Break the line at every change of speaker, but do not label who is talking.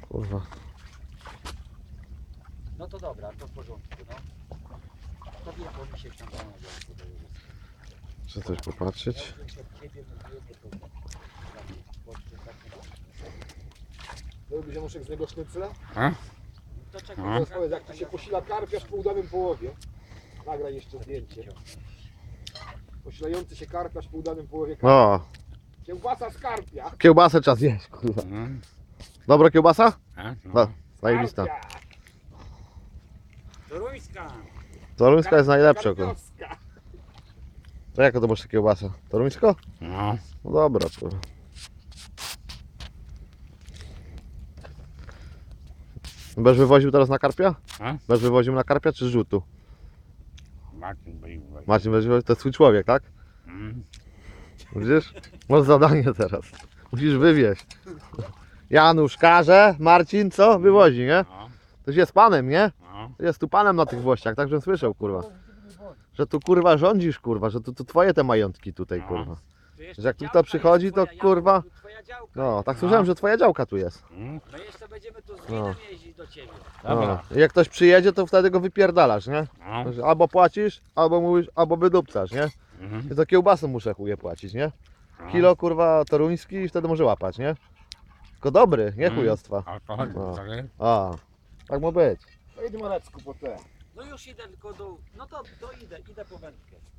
Kurwa.
No to dobra, to w porządku, no. To wiem, bo mi się tam rano
Chcę coś popatrzeć.
Robisz Januszek z niego sznycla?
To czekaj,
Teraz powiedz, jak to się posila karpia w półdawym połowie. Nagraj jeszcze zdjęcie. Posilający się karpiarz w półdawym połowie karpia.
O,
Kiełbasa z karpia.
kiełbasę czas jeść, kurwa. Dobra kiełbasa? No, zajebista.
Karpia.
Toruńska!
Toruńska jest najlepsza, kurwa.
Karpiowska.
To jaka to masz kiełbasa? Toruńsko?
No.
No dobra, kurwa. Będziesz wywoził teraz na karpia?
A?
Będziesz wywoził na karpia czy z rzutu?
Martin był.
Marcin będzie wywoził, to jest twój człowiek, tak? Widzisz? Masz zadanie teraz. Musisz wywieźć. Janusz każe, Marcin co? Wywozi, nie?
No.
To jest panem, nie?
No.
Jest tu panem na tych włościach, tak żebym słyszał, kurwa. Że tu kurwa rządzisz, kurwa, że to twoje te majątki tutaj,
No.
kurwa.
Tu jeszcze
Że jak tu
działka
to przychodzi,
jest,
to
twoja
kurwa.
działka, tu twoja działka
No,
jest.
tak słyszałem, że twoja działka tu jest.
No jeszcze będziemy tu z
No.
winem jeździć do ciebie.
Dobra.
No. I jak ktoś przyjedzie, to wtedy go wypierdalasz, nie?
No.
Albo płacisz, albo mówisz, albo wydupcasz, nie?
Mhm.
I to kiełbasę muszę chuje płacić, nie? Kilo kurwa toruński i wtedy może łapać, nie? Tylko dobry, nie chujostwa.
Alkohol,
No.
tak?
A, tak ma być.
To idź Marecku po te.
No już idę tylko do... No to idę po wędkę.